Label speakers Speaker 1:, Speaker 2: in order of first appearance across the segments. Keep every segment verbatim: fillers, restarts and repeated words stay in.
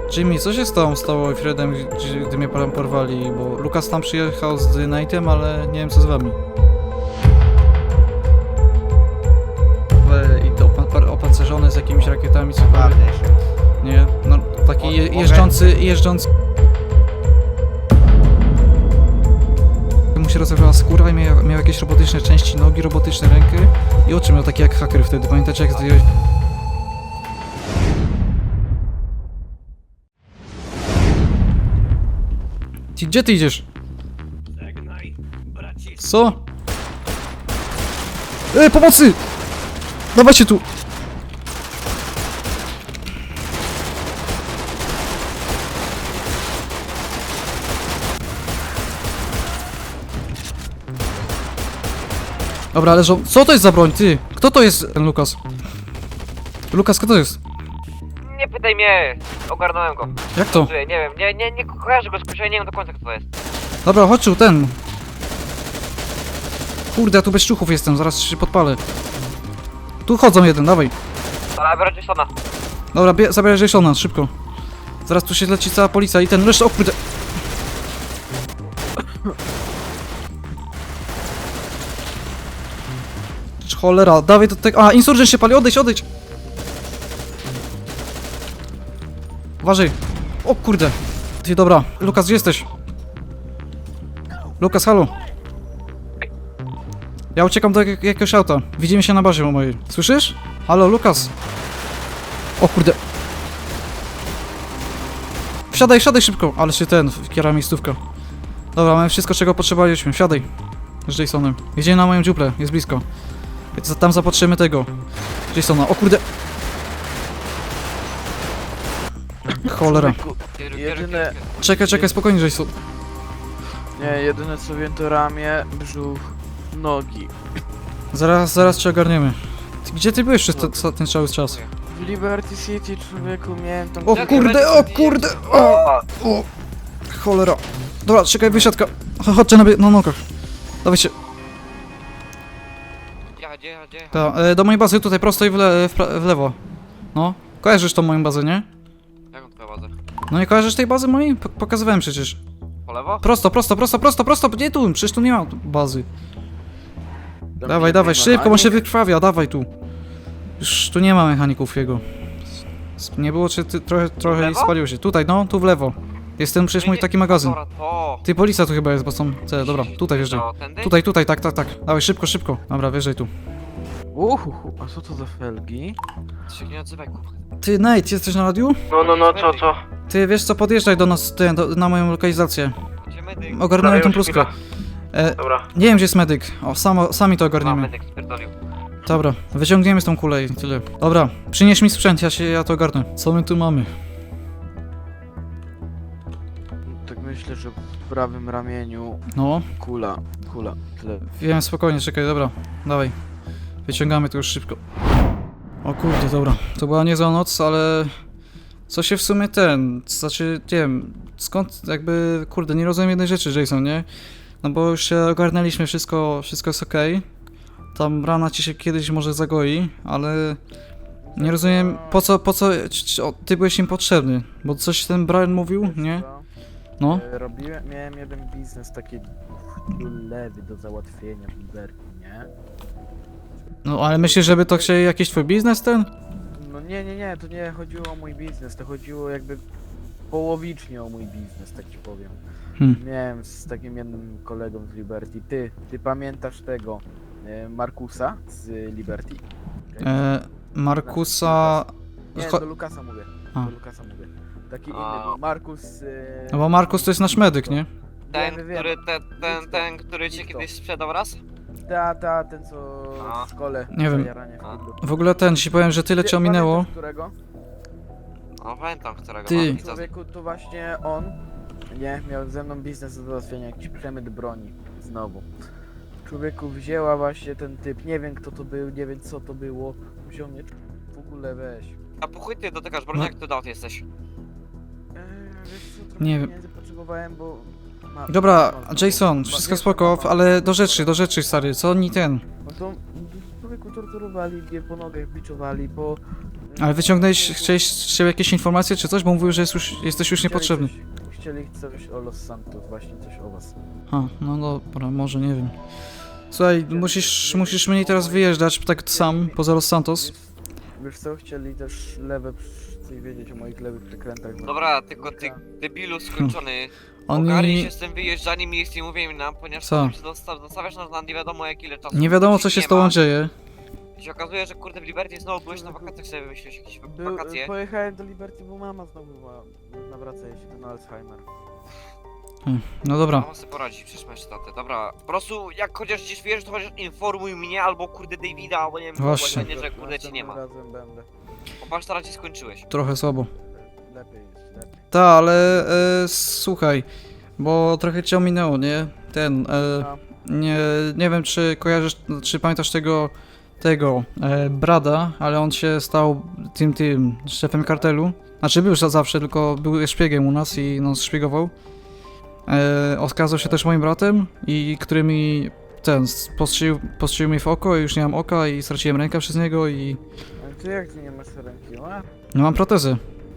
Speaker 1: Jimmy, co się stało z tobą i Fredem, gdy, gdy mnie tam porwali? Bo Lukas tam przyjechał z Nightem, ale nie wiem co z wami. I to opa opancerzone z jakimiś rakietami, cokolwiek. Nie, no taki je jeżdżący, jeżdżący... Mu się rozerwała skóra i miał, miał jakieś robotyczne części nogi, robotyczne rękę i oczy miał takie jak haker wtedy, pamiętacie jak zdjąłeś... Ty, gdzie ty idziesz? Co? Ej, pomocy! Dawajcie tu! Dobra, leżą. Co to jest za broń, ty? Kto to jest ten Lukas? Lukas, kto to jest?
Speaker 2: Nie pytaj mnie, ogarnąłem go.
Speaker 1: Jak to?
Speaker 2: Nie wiem, nie, nie, nie kojarzę go z nie wiem do końca kto to jest.
Speaker 1: Dobra, chodź tu, ten. Kurde, ja tu bez ciuchów jestem, zaraz się podpalę. Tu chodzą jeden, dawaj.
Speaker 2: Ale biorę Jasona.
Speaker 1: Dobra, bie- zabieraj Jasona, szybko. Zaraz tu się leci cała policja i ten reszta, o kurde. Cholera, dawaj do tego. A, insurgent się pali, odejdź, odejdź. Uważaj. O kurde. Ty, dobra. Lukas, gdzie jesteś? Lukas, halo. Ja uciekam do jak jakiegoś auta. Widzimy się na bazie mojej. Słyszysz? Halo, Lukas. O kurde. Wsiadaj, wsiadaj szybko. Ale się ten, kiera miejscówka. Dobra, mamy wszystko, czego potrzebowaliśmy. Wsiadaj. Z Jasonem. Jedziemy na moją dziuplę, jest blisko. Więc tam zapatrzymy tego Jasona. O kurde. Cholera.
Speaker 3: Jedyne,
Speaker 1: Czekaj, czekaj, spokojnie, Jason.
Speaker 3: nie, jedyne co wiem to ramię, brzuch, nogi.
Speaker 1: Zaraz, zaraz cię ogarniemy. Ty, gdzie ty byłeś przez te, ca- ten cały czas?
Speaker 3: W Liberty City, człowieku, miałem tam...
Speaker 1: O kurde, o kurde, o, o, cholera. Dobra, czekaj, wysiadka. Cho- Chodźcie na, bie- na nogach. Dawajcie.
Speaker 2: Ja, gdzie, ja, gdzie?
Speaker 1: Ta, e, do mojej bazy tutaj prosto i w, le- w, pra- w lewo. No, kojarzysz tą moją bazę, nie?
Speaker 2: Jaką twoją bazę?
Speaker 1: No nie kojarzysz tej bazy mojej? P pokazywałem przecież.
Speaker 2: Po lewo?
Speaker 1: Prosto, prosto, prosto, prosto, prosto, nie tu, przecież tu nie ma bazy.
Speaker 3: Tam
Speaker 1: Dawaj,
Speaker 3: nie
Speaker 1: dawaj,
Speaker 3: ma
Speaker 1: szybko, on
Speaker 3: ani-
Speaker 1: się wykrwawia, dawaj tu. Już tu nie ma mechaników jego. S- Nie było, czy ty trochę, trochę
Speaker 2: lewo?
Speaker 1: spaliło się. Tutaj, no, tu w lewo. Jest ten przecież mój taki magazyn.
Speaker 2: Dobra, to.
Speaker 1: Ty, policja tu chyba jest, bo są te, dobra, tutaj wjeżdżaj.
Speaker 2: To, tędy?
Speaker 1: Tutaj, tutaj, tak, tak, tak. Dawaj, szybko, szybko. Dobra, wjeżdżaj tu.
Speaker 3: Uhuhu, a co to za felgi?
Speaker 2: Ty się nie odzywaj, kurwa.
Speaker 1: Ty, Nate, jesteś na radiu?
Speaker 3: No, no, no, co, co?
Speaker 1: Ty, wiesz co, podjeżdżaj do nas, ty, do, na moją lokalizację.
Speaker 2: Gdzie medyk?
Speaker 1: Ogarnąłem tą
Speaker 3: już
Speaker 1: pluskę. E,
Speaker 3: Dobra.
Speaker 1: nie wiem, gdzie jest medyk. O, samo, sami to
Speaker 2: A,
Speaker 1: ogarniemy.
Speaker 2: medyk spierdolił.
Speaker 1: Dobra, wyciągniemy z tą kulę i tyle. Dobra, przynieś mi sprzęt, ja się, ja to ogarnę. Co my tu mamy?
Speaker 3: Tak myślę, że w prawym ramieniu
Speaker 1: No,
Speaker 3: kula, kula, tyle.
Speaker 1: wiem, spokojnie, czekaj, dobra, dawaj. Wyciągamy to już szybko. O kurde, dobra. To była niezła noc, ale... Co się w sumie ten... Znaczy, nie wiem, skąd jakby... Kurde, nie rozumiem jednej rzeczy, Jason, nie? No bo już się ogarnęliśmy, wszystko, wszystko jest okej. Tam rana ci się kiedyś może zagoi, ale... Nie rozumiem, po co, po co... c- c- o, Ty byłeś im potrzebny, bo coś ten Brian mówił,
Speaker 3: Wiesz
Speaker 1: nie?
Speaker 3: co?
Speaker 1: No.
Speaker 3: E, Robiłem, miałem jeden biznes taki lewy do załatwienia w Liberty, nie?
Speaker 1: No, ale myślisz, żeby to chcieli jakiś twój biznes ten?
Speaker 3: No nie, nie, nie, to nie chodziło o mój biznes, to chodziło jakby połowicznie o mój biznes, tak ci powiem.
Speaker 1: Hmm.
Speaker 3: Miałem z takim jednym kolegą z Liberty. Ty, ty pamiętasz tego e, Markusa z Liberty?
Speaker 1: E, Markusa...
Speaker 3: Nie,
Speaker 1: Cho-
Speaker 3: do Lukasa mówię.
Speaker 1: A.
Speaker 3: Do Lukasa mówię. Taki
Speaker 2: A.
Speaker 3: inny, był Markus... E,
Speaker 1: No bo Markus to jest nasz medyk, nie?
Speaker 2: Ten,
Speaker 3: Wiemy, wiemy.
Speaker 2: który, ten, ten,
Speaker 3: Idź
Speaker 2: ten,
Speaker 3: to,
Speaker 2: który ci
Speaker 3: idź to.
Speaker 2: kiedyś sprzedał raz?
Speaker 3: Ta, ta, ten co
Speaker 2: A.
Speaker 3: w szkole.
Speaker 1: Nie wiem.
Speaker 3: zajaranie
Speaker 2: A.
Speaker 3: wpadło.
Speaker 1: W ogóle ten, ci powiem, że tyle
Speaker 3: Ty
Speaker 1: cię ominęło.
Speaker 3: pamiętasz którego?
Speaker 2: No pamiętam którego.
Speaker 1: Ty.
Speaker 2: mam, widzę.
Speaker 3: Człowieku, to właśnie on, nie, miał ze mną biznes do załatwienia, jakiś przemyt broni, znowu. Człowieku, wzięła właśnie ten typ, nie wiem kto to był, nie wiem co to było, wziął mnie, w ogóle weź.
Speaker 2: A po chuj ty dotykasz broni,
Speaker 1: No.
Speaker 2: jak ty dał jesteś?
Speaker 3: Eee, wiesz co, trochę
Speaker 1: Nie wiem.
Speaker 3: pieniędzy potrzebowałem, bo... Ma,
Speaker 1: Dobra,
Speaker 3: ma-
Speaker 1: Jason,
Speaker 3: ma-
Speaker 1: wszystko
Speaker 3: wiesz,
Speaker 1: spoko,
Speaker 3: ma-
Speaker 1: ale do rzeczy, do rzeczy, stary, co oni ten?
Speaker 3: No to człowieku torturowali mnie po nogach, biczowali, po...
Speaker 1: Ale wyciągnąłeś, chciałeś z siebie jakieś informacje czy coś? Bo mówił, że jest już, jesteś już
Speaker 3: Chcieli
Speaker 1: niepotrzebny.
Speaker 3: Coś, chcieli coś o Los Santos, właśnie coś o was.
Speaker 1: A, no dobra, może, nie wiem. Słuchaj, musisz, musisz mniej teraz wyjeżdżać tak sam, poza Los Santos.
Speaker 3: Wiesz co, chcieli też lewe, chcę wiedzieć o moich lewych przekrętach. no.
Speaker 2: Dobra, tylko ty debilu skończony.
Speaker 1: Oni...
Speaker 2: Ogarnij się z tym wyjeżdżaniem i jest nie mówieniem nam, ponieważ
Speaker 1: Co?
Speaker 2: potem się dosta- dostawiasz nas na nie wiadomo jak ile czasu.
Speaker 1: Nie wiadomo co
Speaker 2: Wrócić
Speaker 1: się
Speaker 2: nie
Speaker 1: z tobą
Speaker 2: ma.
Speaker 1: dzieje.
Speaker 2: I się okazuje, że kurde w Liberty znowu byłeś na wakacjach, sobie wymyśliłeś jakieś
Speaker 3: Był,
Speaker 2: wakacje.
Speaker 3: pojechałem do Liberty, bo mama znowu ma, nawraca jej się ten Alzheimer.
Speaker 1: Hmm, No dobra.
Speaker 2: Mama sobie poradzi, przecież masz tatę. Dobra, po prostu jak chociaż gdzieś wiesz, to chociaż informuj mnie albo kurde Davida, albo nie wiem,
Speaker 1: Właśnie.
Speaker 2: nie, że kurde ci nie ma.
Speaker 3: Następnym razem będę.
Speaker 2: Bo patrz, teraz ci skończyłeś.
Speaker 1: Trochę słabo.
Speaker 3: Lepiej jest, lepiej.
Speaker 1: Ta, ale e, słuchaj, bo trochę cię ominęło, nie? Ten, e,
Speaker 3: No,
Speaker 1: nie, nie wiem czy kojarzysz, czy pamiętasz tego, tego, e, Brada, ale on się stał tym, tym, szefem kartelu. Znaczy był już zawsze, tylko był szpiegiem u nas i nas szpiegował. E, okazał się też moim bratem i który mi, ten, postrzelił, postrzelił mi w oko i już nie mam oka i straciłem rękę przez niego i
Speaker 3: ale ty jak ty nie masz ręki, a?
Speaker 1: no mam protezę.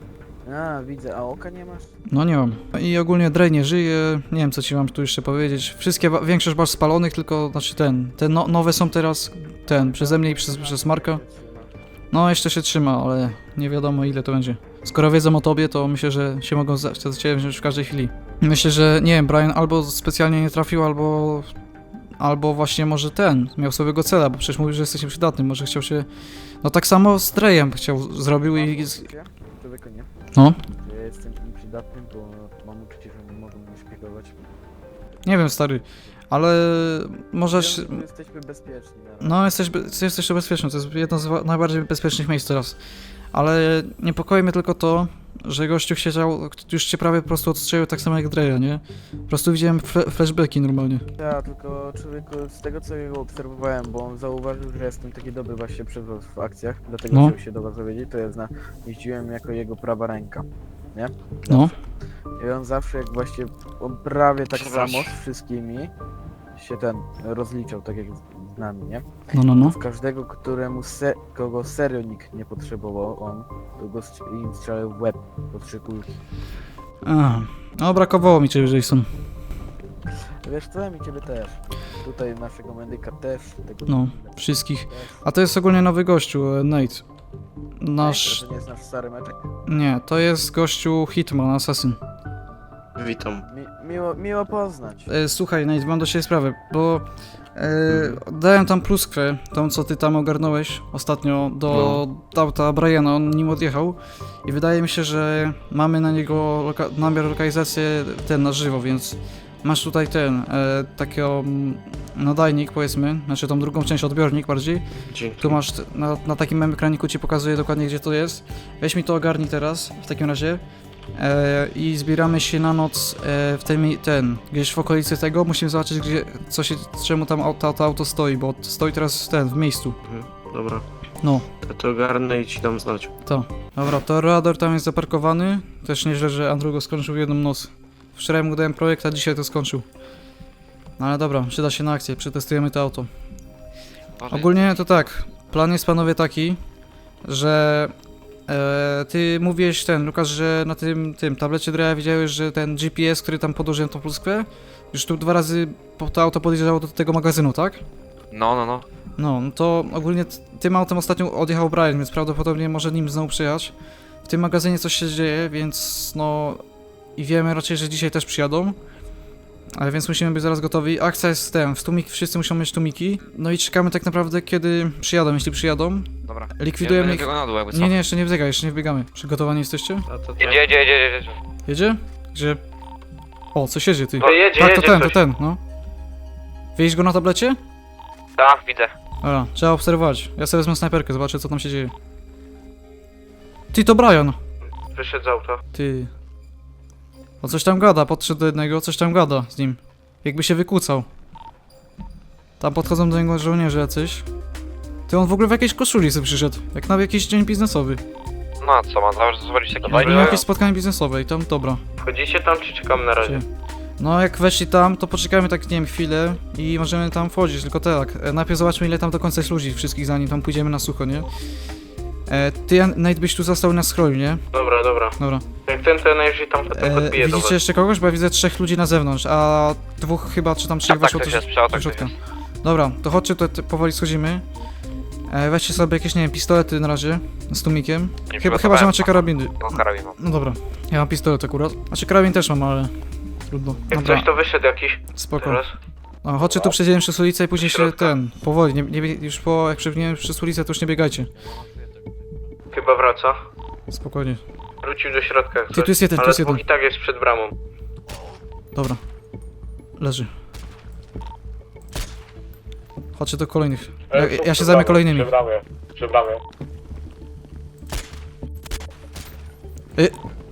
Speaker 3: A, widzę, a oka nie masz?
Speaker 1: No nie mam. I ogólnie Drej nie żyje, nie wiem co ci mam tu jeszcze powiedzieć. Wszystkie, wa- większość masz spalonych, tylko, znaczy ten, te no, nowe są teraz, ten, przeze mnie i przez, przez Marka. No jeszcze się trzyma, ale nie wiadomo ile to będzie. Skoro wiedzą o tobie, to myślę, że się mogą za za ciebie wziąć w każdej chwili. Myślę, że nie wiem, Brian albo specjalnie nie trafił, albo... Albo właśnie może ten, miał swojego cela, bo przecież mówił, że jesteś przydatny, może chciał się... No tak samo z Drejem chciał, zrobił i... z-
Speaker 3: Człowieku nie.
Speaker 1: No.
Speaker 3: Ja jestem nieprzydatny, bo mam uczucie, że nie mogą mnie szpiegować.
Speaker 1: Nie wiem, stary, ale możesz...
Speaker 3: Wiem, że jesteśmy bezpieczni na razie.
Speaker 1: No, jesteś, be- jesteś tu bezpieczny, to jest jedno z wa- najbardziej bezpiecznych miejsc teraz. Ale niepokoi mnie tylko to, że gościu chciał, już cię prawie po prostu odstrzelił tak samo jak Dreya, nie? Po prostu widziałem fle- flashbacki normalnie.
Speaker 3: Ja, tylko człowieku, z tego co jego obserwowałem, bo on zauważył, że jestem taki dobry właśnie przy was w akcjach, dlatego
Speaker 1: No.
Speaker 3: chciał się do was dowiedzieć, to ja zna, jeździłem jako jego prawa ręka, nie?
Speaker 1: No.
Speaker 3: I on zawsze jak właśnie on prawie tak
Speaker 2: Przepraszam.
Speaker 3: samo z wszystkimi się ten rozliczał, tak jak z, z nami, nie?
Speaker 1: No, no, no.
Speaker 3: W każdego, któremu se, kogo serio nikt nie potrzebował, on to go strz- im strzelał w łeb po trzy kulki.
Speaker 1: Aha. No, brakowało mi ciebie, Jason.
Speaker 3: Wiesz co, mi ciebie też. Tutaj naszego medyka też, tego
Speaker 1: No,
Speaker 3: też.
Speaker 1: wszystkich. A to jest ogólnie nowy gościu, e, Nate. Nasz...
Speaker 3: To nie jest nasz stary meczek.
Speaker 1: Nie, to jest gościu Hitman, Assassin.
Speaker 4: Witam.
Speaker 3: Mi, miło, miło poznać.
Speaker 1: E, słuchaj, Nate, mam do ciebie sprawę, bo... E, dałem tam pluskwę, tą co ty tam ogarnąłeś ostatnio do auta Briana, on nim odjechał i wydaje mi się, że mamy na niego loka namiar lokalizację ten na żywo, więc masz tutaj ten, e, takiego mm, nadajnik powiedzmy, znaczy tą drugą część, odbiornik bardziej,
Speaker 4: Dzięki.
Speaker 1: tu masz t- na, na takim małym ekraniku ci pokazuje dokładnie gdzie to jest, weź mi to ogarnij teraz w takim razie. E, I zbieramy się na noc e, w tym, ten, gdzieś w okolicy tego, musimy zobaczyć gdzie, co się, czemu tam auto, to auto stoi, bo stoi teraz ten, w miejscu.
Speaker 4: Mhm, dobra.
Speaker 1: No,
Speaker 4: To to ogarnę i ci dam znać.
Speaker 1: to. Dobra, to radar tam jest zaparkowany, też nieźle, że Andrew go skończył w jedną noc. Wczoraj mu dałem projekt, a dzisiaj to skończył. No ale dobra, przyda się na akcję, przetestujemy to auto.
Speaker 2: Boże,
Speaker 1: Ogólnie to tak, plan jest panowie taki, że e, ty mówiłeś ten, Lukas, że na tym, tym tablecie Dreya widziałeś, że ten G P S, który tam podłożyłem tą pluskwę, już tu dwa razy po, to auto podjeżdżało do tego magazynu, tak?
Speaker 2: No, no, no.
Speaker 1: No, no to ogólnie t- tym autem ostatnio odjechał Brian, więc prawdopodobnie może nim znowu przyjechać. W tym magazynie coś się dzieje, więc no... I wiemy raczej, że dzisiaj też przyjadą. Ale więc musimy być zaraz gotowi. Akcja jest z tym, w tłumik, wszyscy muszą mieć tłumiki. No i czekamy tak naprawdę kiedy przyjadą, jeśli przyjadą.
Speaker 2: Dobra.
Speaker 1: Likwidujemy
Speaker 2: Ja
Speaker 1: ich...
Speaker 2: tego na dół, jakby co.
Speaker 1: Nie, nie, jeszcze nie wbiegaj, jeszcze nie wbiegamy. Przygotowani jesteście?
Speaker 4: A to
Speaker 2: Jedzie, jedzie, jedzie, jedzie.
Speaker 1: Jedzie? Gdzie? O, coś jedzie, ty.
Speaker 4: To jedzie,
Speaker 1: Tak, to
Speaker 4: jedzie
Speaker 1: ten, to
Speaker 4: coś.
Speaker 1: ten, no. Widzisz go na tablecie?
Speaker 2: Tak, widzę.
Speaker 1: Dobra, trzeba obserwować. Ja sobie wezmę snajperkę, zobaczę co tam się dzieje. Ty, to Brian!
Speaker 4: Wyszedł z auta.
Speaker 1: Ty. O coś tam gada, podszedł do jednego, coś tam gada z nim. Jakby się wykłócał. Tam podchodzą do niego żołnierze jacyś. Ty, on w ogóle w jakiejś koszuli sobie przyszedł. Jak na jakiś dzień biznesowy.
Speaker 2: No a co, ma zobaczyć takie
Speaker 1: Jakby miał jakieś spotkanie biznesowe i tam, dobra.
Speaker 4: Wchodzicie tam, czy czekam na razie?
Speaker 1: Gdzie? No jak weszli tam, to poczekajmy tak, nie wiem, chwilę i możemy tam wchodzić, tylko tak, e, najpierw zobaczmy ile tam do końca jest ludzi wszystkich, zanim tam pójdziemy na sucho, nie? E, ty, Jan- Nate, byś tu został na scrollu, nie?
Speaker 4: Dobra, dobra.
Speaker 1: Dobra.
Speaker 4: Jak ten, to najwyżej tam potem
Speaker 1: E,
Speaker 4: podbije do was.
Speaker 1: widzicie jeszcze kogoś? Bo ja widzę trzech ludzi na zewnątrz, a dwóch chyba, czy tam trzech
Speaker 2: Tak,
Speaker 1: weszło
Speaker 2: ktoś
Speaker 1: też
Speaker 2: jest, przeo,
Speaker 1: do
Speaker 2: tak, ktoś
Speaker 1: środka.
Speaker 2: jest.
Speaker 1: Dobra, to chodźcie, to te- powoli schodzimy. E, weźcie sobie jakieś, nie wiem, pistolety na razie, z tłumikiem.
Speaker 2: Nie
Speaker 1: Chyba, chyba, że
Speaker 2: przygotowałem.
Speaker 1: macie karabiny.
Speaker 2: No, karabin mam.
Speaker 1: No dobra, ja mam pistolet akurat. Znaczy karabin też mam, ale trudno.
Speaker 4: Jak
Speaker 1: Dobra,
Speaker 4: coś to wyszedł jakiś.
Speaker 1: spoko.
Speaker 4: Teraz.
Speaker 1: No, chodźcie tu przejdziemy przez ulicę i później się
Speaker 4: Środka.
Speaker 1: ten, powoli, nie, nie, bie- już po, jak przebiegniemy przez ulicę, to już nie biegajcie.
Speaker 4: Chyba wraca.
Speaker 1: Spokojnie.
Speaker 4: Wrócił do środka. jak
Speaker 1: Ty,
Speaker 4: coś.
Speaker 1: tu jest jeden, tu
Speaker 4: Ale
Speaker 1: jest jeden.
Speaker 4: dwóch i tak jest przed bramą.
Speaker 1: Dobra. Leży. Chodźcie do kolejnych. Ja, ja się zajmę kolejnymi.
Speaker 5: Przebramy, przebramy.
Speaker 1: Y.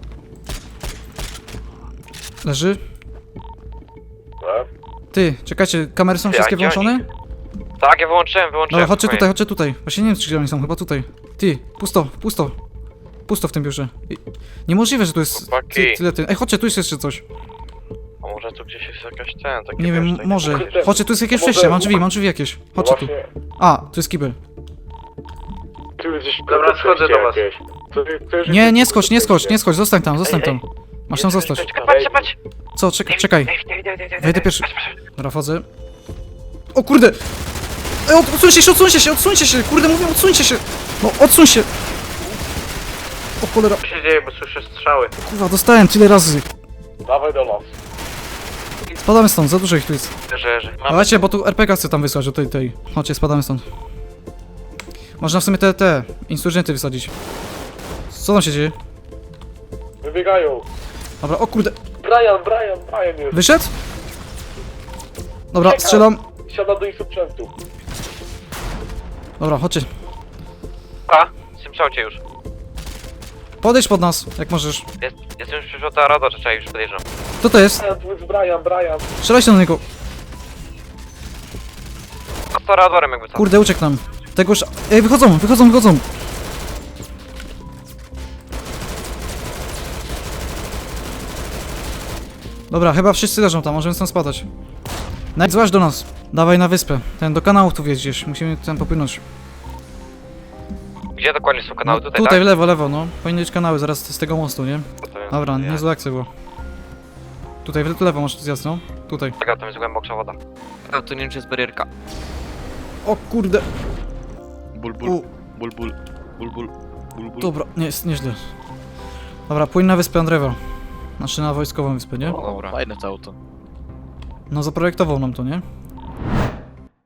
Speaker 1: Leży.
Speaker 5: Tak?
Speaker 1: Ty, czekajcie, kamery są
Speaker 2: Ty,
Speaker 1: wszystkie
Speaker 2: a gdzie oni?
Speaker 1: wyłączone?
Speaker 2: Tak, ja wyłączyłem, wyłączyłem.
Speaker 1: Dobra, chodźcie
Speaker 2: spokojnie.
Speaker 1: tutaj, chodźcie tutaj. Właśnie nie wiem, czy gdzie oni są, chyba tutaj. Ty, pusto, pusto. Pusto w tym biurze. I- Niemożliwe, że tu jest
Speaker 2: Chłopaki.
Speaker 1: ty, tyle ty. Ej, chodźcie, tu jest jeszcze coś.
Speaker 2: A może tu gdzieś jest jakaś ten, taki
Speaker 1: Nie wiem,
Speaker 2: wiesz, taki-
Speaker 1: może.
Speaker 5: Kurde,
Speaker 1: Chodźcie, tu jest jakieś
Speaker 5: może-
Speaker 1: przejście, mam drzwi, mam drzwi jakieś. Chodźcie tu.
Speaker 5: Właśnie,
Speaker 1: A, tu jest kibel.
Speaker 5: tu gdzieś
Speaker 4: Dobra, schodzę do was.
Speaker 5: jakieś. To, to już
Speaker 1: Nie,
Speaker 5: jest-
Speaker 1: nie skocz, nie skocz, nie skocz, zostań tam, zostań tam. Masz tam zostać.
Speaker 2: Czekaj, patrz, patrz!
Speaker 1: Co, czekaj, czekaj.
Speaker 2: Dawid, Dawid, Dawid, Dawid,
Speaker 1: Wejdę
Speaker 2: Dawid,
Speaker 1: pierwszy.
Speaker 2: patrz, patrz.
Speaker 1: Dobra, wchodzę. O kurde! Ej, od- odsuńcie się, odsuńcie się, odsuńcie się! Kurde, mówię, odsuńcie się! No, odsuń się! O cholera,
Speaker 4: Co się dzieje, bo słyszę strzały.
Speaker 1: kurwa, dostałem tyle razy.
Speaker 5: Dawaj do nas.
Speaker 1: Spadamy stąd, za dużo ich tu jest.
Speaker 2: Że, że. Mam
Speaker 1: Dawajcie, bo tu er pe gie chcę tam wysłać, do tej, tej. Chodźcie, spadamy stąd. Można w sumie te, te, insurgenty wysadzić. Co tam się dzieje?
Speaker 5: Wybiegają.
Speaker 1: Dobra, o kurde,
Speaker 5: Brian, Brian, Brian jest.
Speaker 1: wyszedł? Dobra,
Speaker 5: Czekam.
Speaker 1: strzelam.
Speaker 5: Siada do insurgentu.
Speaker 1: Dobra, chodźcie.
Speaker 2: A, jestem przy aucie już.
Speaker 1: Podejdź pod nas, jak możesz.
Speaker 2: Jest, jestem już przyszło ta rada, czekaj, już podjeżdżam.
Speaker 1: Kto to jest?
Speaker 5: Brian, tu jest Brian, Brian.
Speaker 1: Strzelajcie do niego.
Speaker 2: A z radorem jakby co.
Speaker 1: Kurde, uciekł nam. Tego już... Ej, wychodzą, wychodzą, wychodzą. Dobra, chyba wszyscy leżą tam, możemy stąd spadać. Najdź, złaź do nas. Dawaj na wyspę. Ten, do kanałów tu wjeździesz. Musimy ten popłynąć.
Speaker 2: Gdzie dokładnie są kanały?
Speaker 1: No,
Speaker 2: Tutaj,
Speaker 1: tutaj, w
Speaker 2: tak?
Speaker 1: lewo, lewo, no. Powinny być kanały zaraz z tego mostu, nie?
Speaker 2: To jest-
Speaker 1: Dobra,
Speaker 2: ja-
Speaker 1: niezła akcja była. Tutaj, w lewo masz zjazd, no. Tutaj.
Speaker 2: Czekaj, tam jest głęboksza woda. A tu nie wiem, czy jest barierka.
Speaker 1: O kurde.
Speaker 6: Ból, ból,
Speaker 1: U,
Speaker 6: ból, ból, ból, ból, ból, ból.
Speaker 1: dobra, nie, jest nieźle. Dobra, płyń na wyspę Andrewa. Znaczy na wojskową wyspę, nie?
Speaker 6: O, dobra. Fajne to auto.
Speaker 1: No zaprojektował nam to, nie?